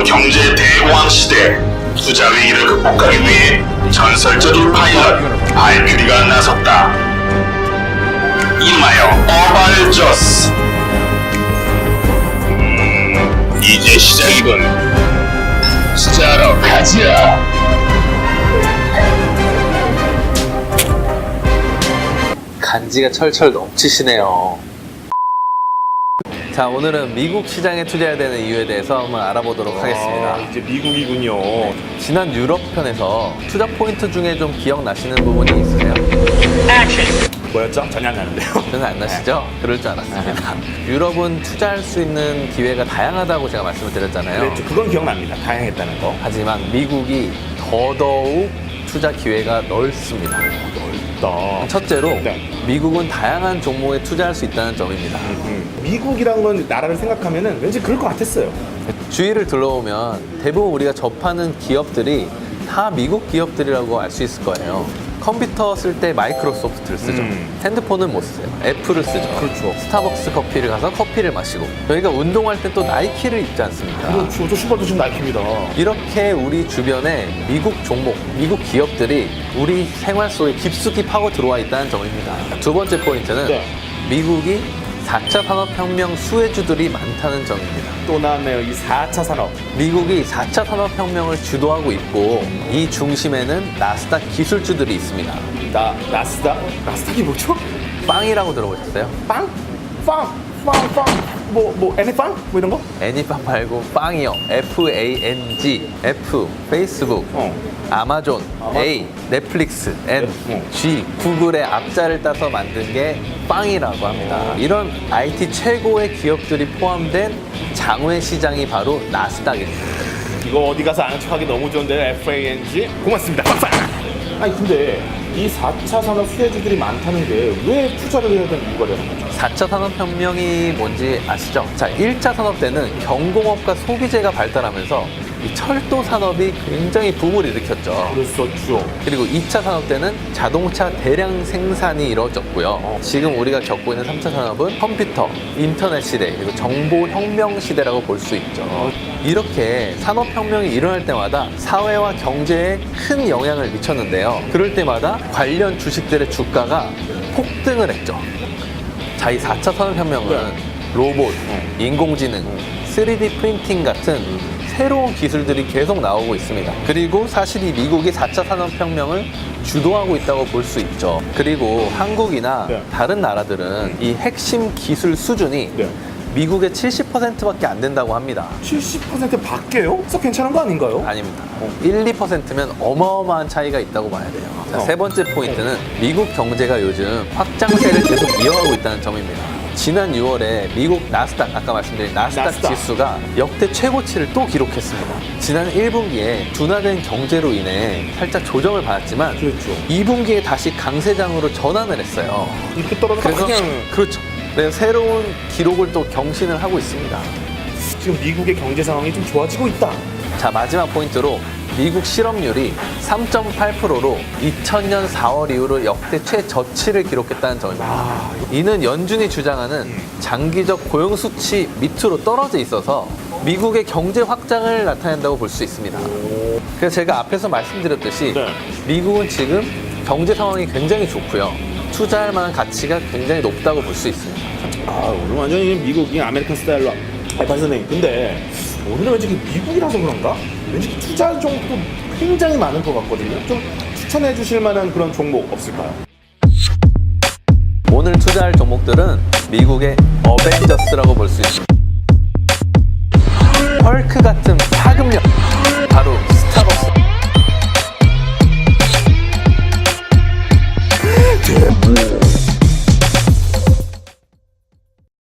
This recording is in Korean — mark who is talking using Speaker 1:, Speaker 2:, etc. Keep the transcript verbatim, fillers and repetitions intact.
Speaker 1: 경제 대공황 시대 투자 위기를 극복하기 위해 전설적인 파일럿 발큐리가 나섰다. 이름하여 어발저스. 음, 이제 시작이군. 투자하러 가자.
Speaker 2: 간지가 철철 넘치시네요. 자, 오늘은 미국 시장에 투자해야 되는 이유에 대해서 한번 알아보도록 하겠습니다.
Speaker 3: 아, 이제 미국이군요.
Speaker 2: 지난 유럽 편에서 투자 포인트 중에 좀 기억나시는 부분이 있으세요?
Speaker 3: 뭐였죠? 전혀 안 나는데요.
Speaker 2: 저는 안 나시죠? 그럴 줄 알았습니다. 유럽은 투자할 수 있는 기회가 다양하다고 제가 말씀을 드렸잖아요.
Speaker 3: 그랬죠. 그건 기억납니다. 다양했다는 거.
Speaker 2: 하지만 미국이 더더욱 투자 기회가 넓습니다.
Speaker 3: 넓다.
Speaker 2: 첫째로
Speaker 3: 네.
Speaker 2: 미국은 다양한 종목에 투자할 수 있다는 점입니다.
Speaker 3: 음. 미국이란 건 나라를 생각하면은 왠지 그럴 것 같았어요.
Speaker 2: 주위를 둘러보면 대부분 우리가 접하는 기업들이 다 미국 기업들이라고 알 수 있을 거예요. 컴퓨터 쓸 때 마이크로소프트를 쓰죠.
Speaker 3: 음.
Speaker 2: 핸드폰은 못 쓰세요. 애플을 쓰죠.
Speaker 3: 그렇죠.
Speaker 2: 스타벅스 커피를 가서 커피를 마시고, 저희가 운동할 때 또 나이키를 입지 않습니까?
Speaker 3: 그렇죠. 저 신발도 지금 나이키입니다.
Speaker 2: 이렇게 우리 주변에 미국 종목, 미국 기업들이 우리 생활 속에 깊숙이 파고 들어와 있다는 점입니다. 두 번째 포인트는
Speaker 3: 네.
Speaker 2: 미국이 사 차 산업혁명 수혜주들이 많다는 점입니다.
Speaker 3: 또 나왔네요. 이 사 차 산업.
Speaker 2: 미국이 사 차 산업혁명을 주도하고 있고, 이 중심에는 나스닥 기술주들이 있습니다.
Speaker 3: 나, 나스닥? 나스닥이 뭐죠?
Speaker 2: 빵이라고 들어보셨어요?
Speaker 3: 빵? 빵? 빵? 빵? 뭐, 뭐, 애니빵? 뭐 이런 거?
Speaker 2: 애니빵 말고 빵이요. 에프 에이 엔 지. F, 페이스북.
Speaker 3: 어.
Speaker 2: 아마존,
Speaker 3: 아마-
Speaker 2: A, 넷플릭스, N,
Speaker 3: 어.
Speaker 2: G, 구글의 앞자를 따서 만든 게 빵이라고 합니다. 이런 아이티 최고의 기업들이 포함된 장외 시장이 바로 나스닥입니다.
Speaker 3: 이거 어디 가서 아는 척하기 너무 좋은데 에프 에이 엔 지? 고맙습니다. 빵빵! 아니 근데 이 사 차 산업 수혜주들이 많다는 게 왜 투자를 해야 되는 이유가 되는 거죠?
Speaker 2: 사 차 산업혁명이 뭔지 아시죠? 자, 일 차 산업 때는 경공업과 소비재가 발달하면서 이 철도 산업이 굉장히 붐을 일으켰죠.
Speaker 3: 그랬었죠.
Speaker 2: 그리고 이 차 산업 때는 자동차 대량 생산이 이루어졌고요. 지금 우리가 겪고 있는 삼 차 산업은 컴퓨터, 인터넷 시대, 그리고 정보혁명 시대라고 볼 수 있죠. 이렇게 산업혁명이 일어날 때마다 사회와 경제에 큰 영향을 미쳤는데요. 그럴 때마다 관련 주식들의 주가가 폭등을 했죠. 자, 이 사 차 산업혁명은
Speaker 3: 네.
Speaker 2: 로봇, 인공지능, 쓰리 디 프린팅 같은 새로운 기술들이 계속 나오고 있습니다. 그리고 사실 이 미국이 사 차 산업혁명을 주도하고 있다고 볼 수 있죠. 그리고 한국이나
Speaker 3: 네.
Speaker 2: 다른 나라들은 이 핵심 기술 수준이
Speaker 3: 네.
Speaker 2: 미국의 칠십 퍼센트밖에 안 된다고 합니다.
Speaker 3: 칠십 퍼센트 밖에요? 그래서 괜찮은 거 아닌가요?
Speaker 2: 아닙니다. 일, 이 퍼센트면 어마어마한 차이가 있다고 봐야 돼요. 자,
Speaker 3: 어.
Speaker 2: 세 번째 포인트는 미국 경제가 요즘 확장세를 계속 이어가고 있다는 점입니다. 지난 유월에 미국 나스닥, 아까 말씀드린 나스닥,
Speaker 3: 나스닥.
Speaker 2: 지수가 역대 최고치를 또 기록했습니다. 지난 일 분기에 둔화된 경제로 인해 살짝 조정을 받았지만
Speaker 3: 그렇죠.
Speaker 2: 이 분기에 다시 강세장으로 전환을 했어요.
Speaker 3: 이렇게 떨어져서
Speaker 2: 그래서
Speaker 3: 그냥
Speaker 2: 그렇죠. 그래서 새로운 기록을 또 경신을 하고 있습니다.
Speaker 3: 지금 미국의 경제 상황이 좀 좋아지고 있다.
Speaker 2: 자, 마지막 포인트로 미국 실업률이 삼 점 팔 퍼센트로 이천 년 사월 이후로 역대 최저치를 기록했다는 점입니다.
Speaker 3: 아,
Speaker 2: 이는 연준이 주장하는 장기적 고용 수치 밑으로 떨어져 있어서 미국의 경제 확장을 나타낸다고 볼 수 있습니다. 그래서 제가 앞에서 말씀드렸듯이
Speaker 3: 네.
Speaker 2: 미국은 지금 경제 상황이 굉장히 좋고요. 투자할 만한 가치가 굉장히 높다고 볼 수 있습니다.
Speaker 3: 아, 오늘 완전히 미국이 아메리칸 스타일로. 아, 박 선생님, 근데 오늘은 왠지 미국이라서 그런가? 왠지 투자 종목도 굉장히 많은 것 같거든요. 좀 추천해 주실 만한 그런 종목 없을까요?
Speaker 2: 오늘 투자할 종목들은 미국의 어벤져스라고 볼 수 있습니다. 헐크 같은 파급력.